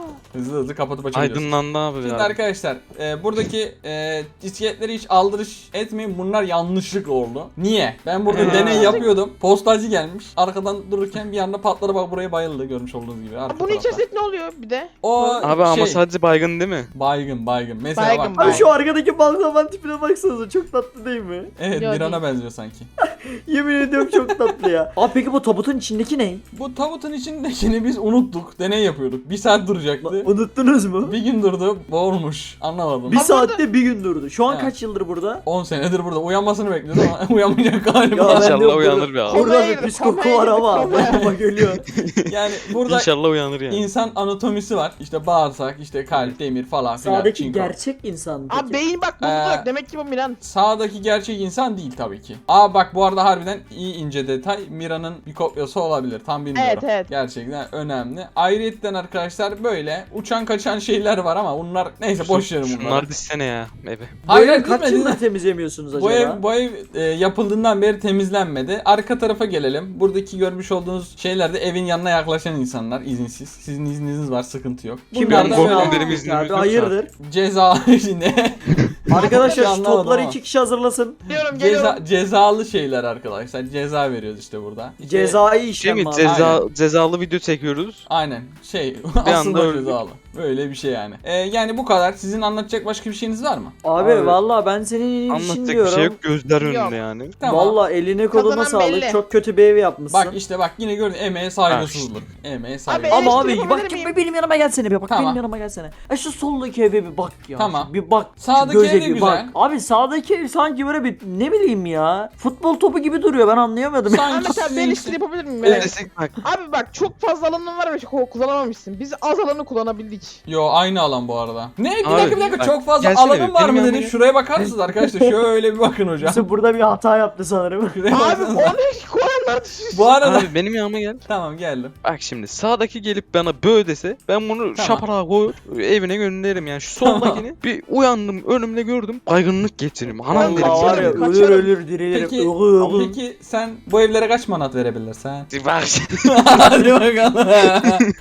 Speaker 1: Hızlı kapatıp açabiliyorsun.
Speaker 2: Aydınlandı abi
Speaker 1: Şimdi
Speaker 2: ya.
Speaker 1: arkadaşlar buradaki iskeletleri hiç aldırış etmeyin. Bunlar yanlışlık oldu. Niye? Ben burada deney yapıyordum. Postacı gelmiş. Arkadan dururken bir anda patladı bak buraya bayıldı görmüş olduğunuz gibi. Arka
Speaker 4: Bunun
Speaker 1: tarafta.
Speaker 4: içerisinde ne oluyor bir de?
Speaker 1: O
Speaker 2: Abi ama sadece baygın değil mi?
Speaker 1: baygın. Mesela
Speaker 4: Baygın,
Speaker 1: bak.
Speaker 3: Abi şu arkadaki balkonun tipine baksanıza çok tatlı değil mi?
Speaker 1: Evet
Speaker 4: Ya
Speaker 1: Miran'a
Speaker 4: değil.
Speaker 1: benziyor sanki.
Speaker 3: Yemin ediyorum çok tatlı ya. Abi peki bu tabutun içindeki ne?
Speaker 1: Bu tabutun içindekini biz unuttuk. Deney yapıyorduk. Bir saat duracaktı.
Speaker 3: Unuttunuz mu?
Speaker 1: Bir gün durdu. Boğulmuş. Anlamadım.
Speaker 3: Bir
Speaker 4: Ama
Speaker 3: saatte bir gün durdu. Şu an
Speaker 1: He.
Speaker 3: kaç yıldır burada?
Speaker 1: 10 senedir burada. Uyanmasını bekliyoruz ama uyanmayacak galiba.
Speaker 3: Ya ben
Speaker 2: İnşallah
Speaker 3: diyorum,
Speaker 2: uyanır be abi.
Speaker 3: Burada
Speaker 4: Komaya
Speaker 3: bir
Speaker 4: girdi,
Speaker 3: pis koku
Speaker 4: komaya
Speaker 3: var
Speaker 4: girdi,
Speaker 3: ama.
Speaker 4: komaya.
Speaker 3: Ama geliyor.
Speaker 1: Yani burada
Speaker 2: İnşallah uyanır yani.
Speaker 1: insan anatomisi var. İşte bağırsak, işte kalp, demir falan filan.
Speaker 3: Sağdaki
Speaker 1: çinko.
Speaker 3: gerçek insan.
Speaker 4: Abi
Speaker 3: peki.
Speaker 4: beyin bak bulduk. Demek ki bu Milan.
Speaker 1: Sağdaki gerçek insan değil tabii ki. Aa bak bu arada harbiden iyi ince detay. Mira'nın bir kopyası olabilir. Tam bilmiyorum.
Speaker 4: Evet.
Speaker 1: Gerçekten önemli. Ayrıyetten arkadaşlar böyle uçan kaçan şeyler var ama bunlar neyse boş verin bunları.
Speaker 2: Şunlar dizsene ya eve.
Speaker 3: Bu
Speaker 1: Hayır
Speaker 3: evi kaç
Speaker 1: gitmedi.
Speaker 3: yıldır temizlemiyorsunuz acaba?
Speaker 1: Bu ev yapıldığından beri temizlenmedi. Arka tarafa gelelim. Buradaki görmüş olduğunuz şeyler de evin yanına yaklaşan insanlar izinsiz. Sizin izniniz var sıkıntı yok.
Speaker 3: Kim
Speaker 1: Bunlar
Speaker 2: Ben
Speaker 1: da
Speaker 3: yani?
Speaker 2: korktum,
Speaker 1: böyle
Speaker 2: benim iznimiz
Speaker 3: Abi
Speaker 2: yoksa.
Speaker 3: hayırdır?
Speaker 1: ceza ne?
Speaker 3: Arkadaşlar şu
Speaker 1: Anlamadım
Speaker 3: topları
Speaker 1: ama.
Speaker 3: 2 kişi hazırlasın.
Speaker 4: Geliyorum.
Speaker 1: Cezalı şeyler arkadaşlar. Ceza veriyoruz işte burada. İşte-
Speaker 3: Cezai
Speaker 2: Şey
Speaker 3: işlem
Speaker 2: mi?
Speaker 3: var.
Speaker 2: Cezalı video çekiyoruz.
Speaker 1: Aynen şey
Speaker 2: Bir
Speaker 1: aslında
Speaker 2: anda öldük.
Speaker 1: cezalı. Böyle bir şey yani. Yani bu kadar. Sizin anlatacak başka bir şeyiniz var mı?
Speaker 3: Abi vallahi ben senin iyiliğin için
Speaker 2: Anlatacak bir
Speaker 3: diyorum.
Speaker 2: şey yok. Gözler
Speaker 4: Yok.
Speaker 2: önünde yani.
Speaker 1: Tamam.
Speaker 3: Vallahi eline koluna
Speaker 4: Kazanan
Speaker 3: sağlık.
Speaker 4: belli.
Speaker 3: Çok kötü bir ev yapmışsın.
Speaker 1: Bak işte bak yine gördün emeğe saygısızlık. Emeğe saygısızlık.
Speaker 4: Abi,
Speaker 3: Ama
Speaker 4: eleştiri
Speaker 3: abi bak
Speaker 4: yapabilir miyim?
Speaker 3: benim yanıma gelsene bir bak
Speaker 1: Tamam.
Speaker 3: benim yanıma gelsene. Şu soldaki eve bir bak ya.
Speaker 1: Tamam.
Speaker 3: Bir bak. şu
Speaker 1: Sağdaki
Speaker 3: göze
Speaker 1: ev de
Speaker 3: bir
Speaker 1: güzel.
Speaker 3: bak. Abi sağdaki ev sanki böyle bir ne bileyim ya. Futbol topu gibi duruyor ben anlayamadım.
Speaker 4: Abi
Speaker 1: Sanki
Speaker 4: mesela
Speaker 1: sizin
Speaker 4: ben
Speaker 1: işte-
Speaker 4: eleştiri yapabilir miyim? Evet.
Speaker 2: Desek bak.
Speaker 4: Abi bak çok fazla alanın var ve kullanamamışsın. Biz az alanı kullanabildik.
Speaker 1: Yo aynı alan bu arada. Ne? Bir
Speaker 2: Abi,
Speaker 1: dakika
Speaker 2: bak,
Speaker 1: çok fazla
Speaker 2: gelsene
Speaker 1: alanım
Speaker 2: bir,
Speaker 1: var
Speaker 2: benim
Speaker 1: mı
Speaker 2: yanıma
Speaker 1: dedin.
Speaker 2: gel.
Speaker 1: Şuraya bakar mısınız arkadaşlar? Şöyle bir bakın hocam.
Speaker 3: Yusuf burada bir hata yaptı sanırım.
Speaker 1: Şuraya
Speaker 4: Abi
Speaker 1: baksanıza.
Speaker 4: onu koyanlar düşünsün.
Speaker 1: Bu arada
Speaker 2: Abi benim yanıma gel.
Speaker 1: tamam geldim.
Speaker 2: Bak şimdi sağdaki gelip bana bö dese ben bunu
Speaker 1: Tamam.
Speaker 2: şaparağa koyup evine gönderirim yani. Şu soldakini bir uyandım önümde gördüm baygınlık geçiririm. Anam derim.
Speaker 3: Allah var ya
Speaker 4: Kaçarım.
Speaker 3: ölür ölür dirilirim.
Speaker 1: Peki,
Speaker 3: Iğı, ığı.
Speaker 1: peki sen bu evlere kaç manat verebilirsin?
Speaker 2: Bak
Speaker 1: Hadi bakalım.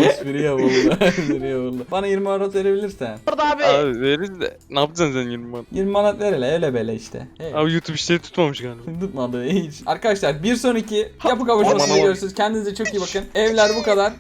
Speaker 1: Espri yapıldı. Espri yapıldı. Bana 20 manat verebilirsen.
Speaker 4: Orada abi.
Speaker 2: Abi veririz de ne yapacaksın sen 20 bana?
Speaker 1: 20 manat ver hele öyle böyle işte. Hey.
Speaker 2: Abi YouTube işleri tutmamış galiba.
Speaker 1: Tutmadı hiç. Arkadaşlar bir sonraki yapı kavuşmasında
Speaker 2: Aman.
Speaker 1: görüşürüz. Kendinize çok iyi bakın. Evler bu kadar.